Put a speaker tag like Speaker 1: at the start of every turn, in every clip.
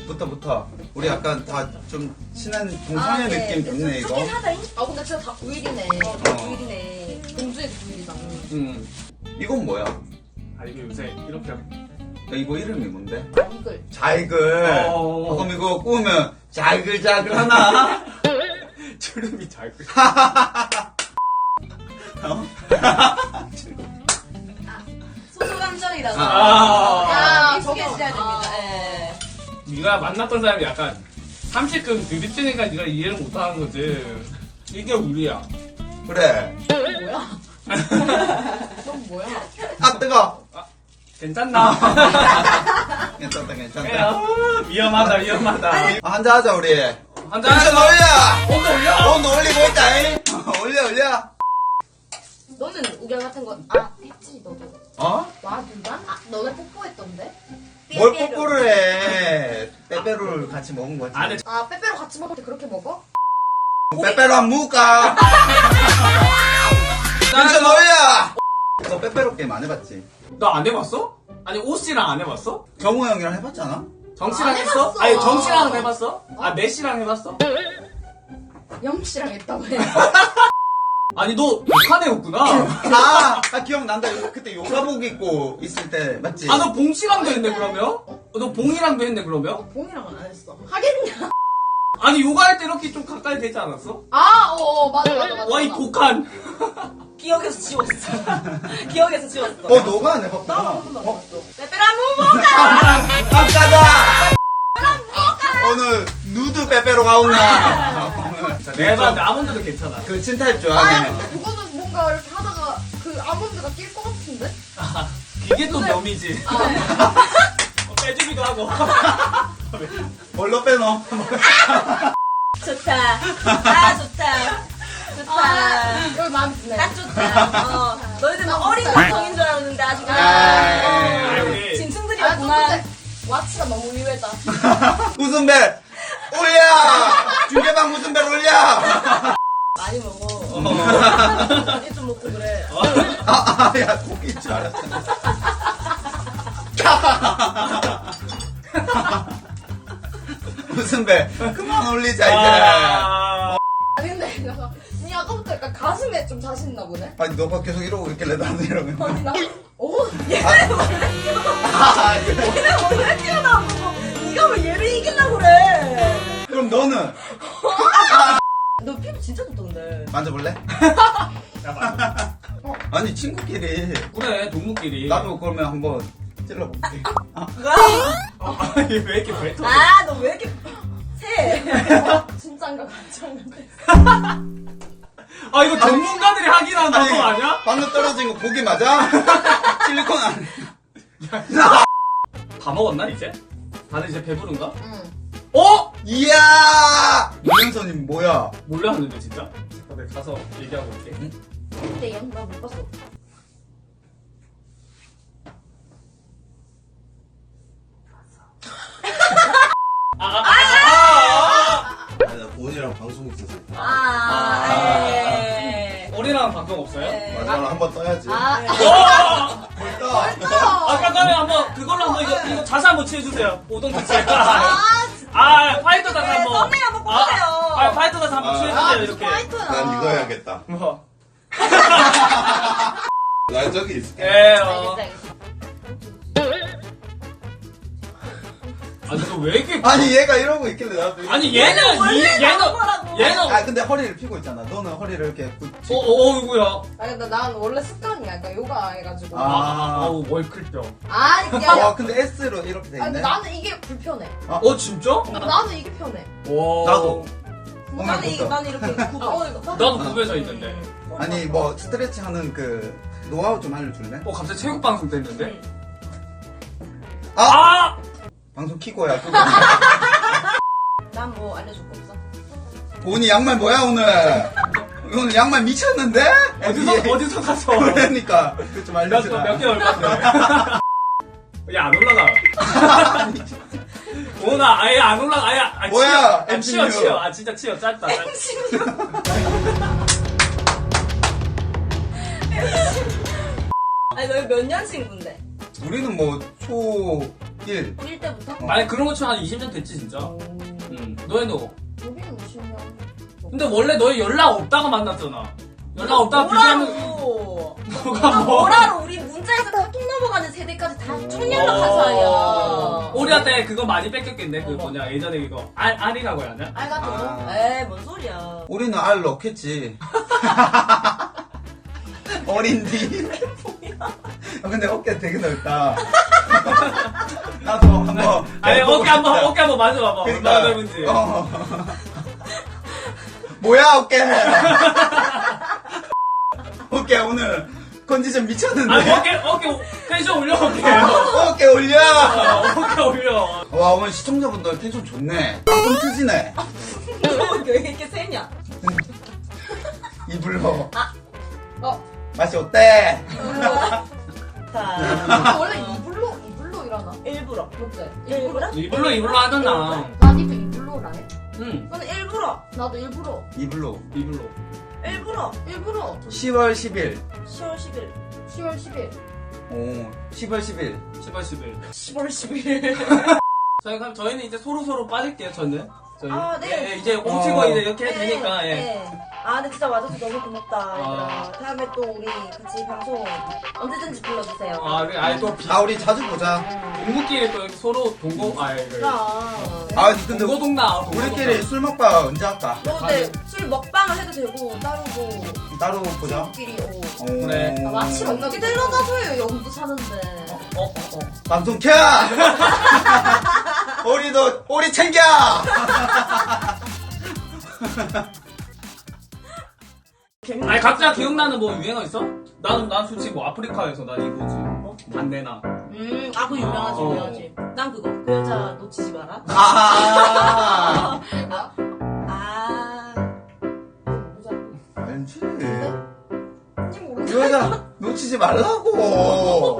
Speaker 1: 붙어. 우리 약간 다 좀 친한 동창회 느낌 좋네, 이거.
Speaker 2: 아 근데 진짜 다 9일이네. 9일이네. 공주에도 9일이다.
Speaker 1: 이건 뭐야?
Speaker 3: 아 이게 요새 이렇게
Speaker 1: 야, 이거 이름이 뭔데?
Speaker 2: 이글.
Speaker 1: 잘글. 그럼 이거 꾸우면 잘글잘글 하나?
Speaker 3: 주름이 잘 끄.
Speaker 2: 소소감정이라서.
Speaker 3: 아.
Speaker 2: 익숙해져야 됩니다. 예.
Speaker 3: 네가 만났던 사람이 약간 30금 드립치니까 네가 이해를 못하는 거지. 이게 우리야.
Speaker 1: 그래.
Speaker 2: 뭐야? 넌 뭐야?
Speaker 1: 아, 뜨거!
Speaker 3: 괜찮나?
Speaker 1: 괜찮다.
Speaker 3: 위험하다.
Speaker 1: 아, 한잔하자, 우리.
Speaker 3: 한잔
Speaker 1: 텐션 올려!
Speaker 3: 온도 올려.
Speaker 1: 온도 올리고 있다잉! 올려.
Speaker 2: 너는 우결 같은 거, 했지, 너도.
Speaker 1: 어?
Speaker 2: 와, 누가? 너네 뽀뽀했던데?
Speaker 1: 뭘 뽀뽀를 해. 빼빼로를 같이 먹은 거지.
Speaker 3: 안에
Speaker 2: 빼빼로 같이 먹을 때 그렇게 먹어?
Speaker 1: 빼빼로 한 무까! 텐션 올려! 너 빼빼로 게임 안 해봤지?
Speaker 3: 너 안 해봤어? 아니 오씨랑 안 해봤어?
Speaker 1: 경호 형이랑 해봤잖아?
Speaker 3: 정씨랑
Speaker 2: 안
Speaker 3: 했어?
Speaker 2: 해봤어.
Speaker 3: 아니 정씨랑 해봤어? 아 메씨랑 해봤어?
Speaker 2: 영씨랑 했다고 해.
Speaker 3: 아니 너 북한애였구나.
Speaker 1: 아, 기억난다. 그때 요가복 입고 있을 때, 맞지?
Speaker 3: 아 너 봉씨랑도 했네 그러면? 너 봉이랑도 했네 그러면?
Speaker 2: 봉이랑은 안 했어. 하겠냐?
Speaker 3: 아니 요가할 때 이렇게 좀 가까이 되지 않았어?
Speaker 2: 맞아.
Speaker 3: 와 이 복한.
Speaker 2: 기억에서 지웠어. 기억에서 지웠어.
Speaker 1: 너가 안 해봤구나.
Speaker 2: 나한 번도 안 봤어. 빼빼로 한번 먹어!
Speaker 1: 아까다! 오늘 누드 빼빼로 가온나?
Speaker 3: 내가 봤는데 아몬드도 괜찮아.
Speaker 1: 그 찐타입 좋아하네.
Speaker 2: 그거는 뭔가 이렇게 하다가 그 아몬드가 낄 것 같은데?
Speaker 3: 이게 또 묘미지. 빼주기도 하고.
Speaker 1: 뭘로 빼노?
Speaker 4: 좋다. 좋다.
Speaker 2: 여기 마음에 드네.
Speaker 4: 딱 좋다. 너희들 막 어린 감성인 줄 알았는데 아직
Speaker 3: 아이.
Speaker 4: 진충들이었구만.
Speaker 2: 근데 와치가 너무 의외다.
Speaker 1: 웃음벨 올려! 중계방 웃음벨 올려!
Speaker 4: 많이 먹어. 많이 좀 먹고 그래.
Speaker 1: 야, 고기인 줄 알았잖아. 웃음벨 그만 올리자, 이제.
Speaker 2: 아니 근데 니 아까부터 약간 가슴에 좀 자신 있나 보네?
Speaker 1: 아니, 너가 계속 이러고 있길래 나도 이러면.
Speaker 2: 아니 나
Speaker 4: 얘네 원래 튀어나온 거고 네가 왜 얘를 이기려고 그래.
Speaker 1: 그럼 너는?
Speaker 4: 너 피부 진짜 좋던데.
Speaker 1: 만져볼래? 아니, 친구끼리.
Speaker 3: 그래 동무끼리.
Speaker 1: 나도 그러면 한번 찔러볼게.
Speaker 3: 아니 왜 이렇게 뱉어?
Speaker 4: 너 왜 이렇게 새?
Speaker 2: 진짠가 가짜인가?
Speaker 3: 아 이거 전문가들이 하긴 하는 방송 아니야?
Speaker 1: 방금 떨어진 거 고기 맞아? 실리콘 안.
Speaker 3: 다 먹었나 이제? 다들 이제 배부른가?
Speaker 2: 응.
Speaker 3: 어?
Speaker 1: 이야! 유명선님 뭐야?
Speaker 3: 몰라 하는데 진짜? 잠깐 내가 가서 얘기하고 올게.
Speaker 2: 근데 나못 봤어.
Speaker 5: 아니 나 보은이랑 방송 있어서
Speaker 3: 우리랑 방송 없어요?
Speaker 5: 마지막으로 한번 떠야지.
Speaker 3: 와!
Speaker 1: 벌써?
Speaker 3: 아까 전에 한번 그걸로 한번 이거 자세 한번 취해주세요. 오동 자세. 파이터 자세 한번.
Speaker 4: 썸네일 한번 뽑으세요.
Speaker 3: 파이터 자세 한번 취해주세요 이렇게.
Speaker 5: 난 이거 해야겠다.
Speaker 3: 뭐?
Speaker 5: 나 저기 있을게.
Speaker 3: 알겠어.
Speaker 2: 알겠어.
Speaker 3: 아니 너 왜 이렇게?
Speaker 1: 아니 얘가 이러고 있길래 나도.
Speaker 3: 아니 얘는
Speaker 1: 아 근데 허리를 펴고 있잖아. 너는 허리를 이렇게 굳히고.
Speaker 3: 어이구야.
Speaker 2: 아니 난 원래 습관이야. 그러니까 요가 해가지고.
Speaker 3: 어우 월클병.
Speaker 2: 아니
Speaker 1: 와 근데 S로 이렇게 돼
Speaker 2: 근데
Speaker 1: 있네.
Speaker 2: 나는 이게 불편해.
Speaker 3: 진짜?
Speaker 2: 나는 이게 편해.
Speaker 3: 와.
Speaker 1: 나도.
Speaker 4: 나는 이렇게 굽어.
Speaker 3: 나도 굽에서 있는데.
Speaker 1: 아니 뭐 스트레칭 하는 그 노하우 좀 알려줄래?
Speaker 3: 갑자기 체육 방송 됐는데?
Speaker 1: 아! 방송 키고야.
Speaker 4: 난 뭐 알려줄 거 없어.
Speaker 1: 오니 양말 뭐야 오늘? 오늘 양말 미쳤는데?
Speaker 3: 어디서 가서?
Speaker 1: 그러니까 그거 좀 알려주라.
Speaker 3: 몇 개월 건데? 야, 안 올라가. 오나 아예 안 올라가. 아예
Speaker 1: 뭐야,
Speaker 3: 치여.
Speaker 1: MCU.
Speaker 3: 치여. 진짜 치여. 짧다.
Speaker 4: 아니 너희 몇 년 친구인데?
Speaker 1: 우리는 뭐 1.
Speaker 2: 1 때부터?
Speaker 3: 아니 그런 거 치면 한 20년 됐지 진짜. 너희도.
Speaker 2: 우리는 50년.
Speaker 3: 근데 원래 너희 연락 없다가 만났잖아. 연락 없다가 비교하면
Speaker 4: 뭐라고?
Speaker 3: 너가 뭐?
Speaker 2: 뭐라로 우리 문자에서 카톡 넘어가는 세대까지 다 쭉 연락한 사이야.
Speaker 3: 우리한테 그거 많이 뺏겼겠네. 그 뭐냐 예전에 이거 알이라고 해야 하냐?
Speaker 2: 알 같은 거?
Speaker 1: 아.
Speaker 4: 에이, 뭔 소리야.
Speaker 1: 우리는 알 넣겠지. 어린디. 근데 어깨 되게 넓다. 나도 한번.
Speaker 3: 아니 어깨 한번 만져봐봐.
Speaker 1: 그러니까,
Speaker 3: 얼마나 넓은지.
Speaker 1: 뭐야 어깨. 어깨 오늘 컨디션 미쳤는데.
Speaker 3: 아니 어깨 텐션 올려 어깨.
Speaker 1: 어깨 올려.
Speaker 3: 어깨 올려.
Speaker 1: 와 오늘 시청자분들 텐션 좋네. 땀 트지네.
Speaker 4: 왜 이렇게 세냐?
Speaker 1: 이불로.
Speaker 2: 어.
Speaker 1: 맛이 어때?
Speaker 4: 자,
Speaker 2: 원래 이불로 일하나?
Speaker 4: 일부러.
Speaker 2: 맞지?
Speaker 4: 일부러?
Speaker 3: 이불로 하잖아.
Speaker 2: 나니도 이불로라 해?
Speaker 3: 응.
Speaker 4: 저는 일부러.
Speaker 2: 나도 일부러.
Speaker 1: 이불로.
Speaker 3: 이불로.
Speaker 4: 일부러.
Speaker 1: 10월 10일.
Speaker 4: 10월 10일.
Speaker 2: 10월 10일.
Speaker 1: 오 10월 10일.
Speaker 3: 10월 10일.
Speaker 4: 10월 10일.
Speaker 3: 저희는 이제 서로 빠질게요. 저는. 저희.
Speaker 4: 아, 네.
Speaker 3: 예, 이제 뭉치고 이제 이렇게 해도 되니까. 예.
Speaker 4: 네. 아, 근데 진짜 와줘서 너무 고맙다.
Speaker 3: 아.
Speaker 4: 얘들아. 다음에 또 우리 같이 방송 언제든지 불러주세요.
Speaker 3: 아, 그래. 아니 또
Speaker 1: 아 우리 자주 보자.
Speaker 3: 동구끼리 또 이렇게 서로 동고
Speaker 4: 그럼.
Speaker 1: 아 근데
Speaker 3: 동고동나.
Speaker 1: 우리끼리 술 먹방 언제 할까?
Speaker 4: 뭐, 근데 술 먹방을 해도 되고, 따로 뭐,
Speaker 1: 따로 보자.
Speaker 4: 끼리,
Speaker 1: 오.
Speaker 3: 그래.
Speaker 2: 나 마침
Speaker 4: 어떻게
Speaker 2: 어떻게 데려가줘요, 영도 사는데.
Speaker 1: 방송 켜! 오리 챙겨!
Speaker 3: 아니 각자 기억나는 뭐 유행어 있어? 난 솔직히 뭐 아프리카에서 난 이거지. 반대나.
Speaker 4: 아, 그거 유명하지,
Speaker 3: 어.
Speaker 4: 유명하지. 난 그거. 그 여자 놓치지 마라.
Speaker 1: 아,
Speaker 4: 아.
Speaker 1: 알지.
Speaker 2: 언니 모르는
Speaker 1: 이 여자 놓치지 말라고.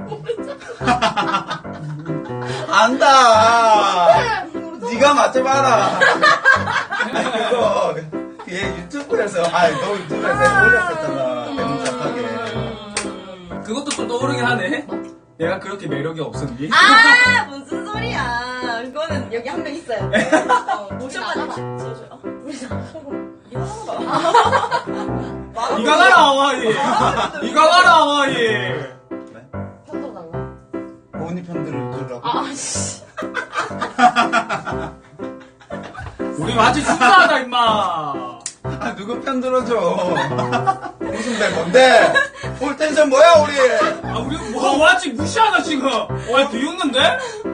Speaker 1: 안다. 네가 맞춰봐라. 아니, 그거 얘 유튜브에서 너 유튜브에서 올렸었잖아. 대문짝하게.
Speaker 3: 그것도 좀 떠오르긴 하네. 내가 그렇게 매력이 없었니?
Speaker 4: 아, 무슨 소리야. 이거는 여기 한 명 있어요. 모션만 지어줘. 우리 이거 하나
Speaker 3: 이가 가라 와이. 이가 가라 와이.
Speaker 2: 편도 달라.
Speaker 1: 언니 편들을 들으라고.
Speaker 2: 아, 씨.
Speaker 3: 우리 완전 순수하다 임마.
Speaker 1: 아, 누구 편 들어줘. 무슨 배 뭔데? 올 텐션 뭐야, 우리?
Speaker 3: 아 우리 뭐 완전 무시하다 지금. 와 비웃는데?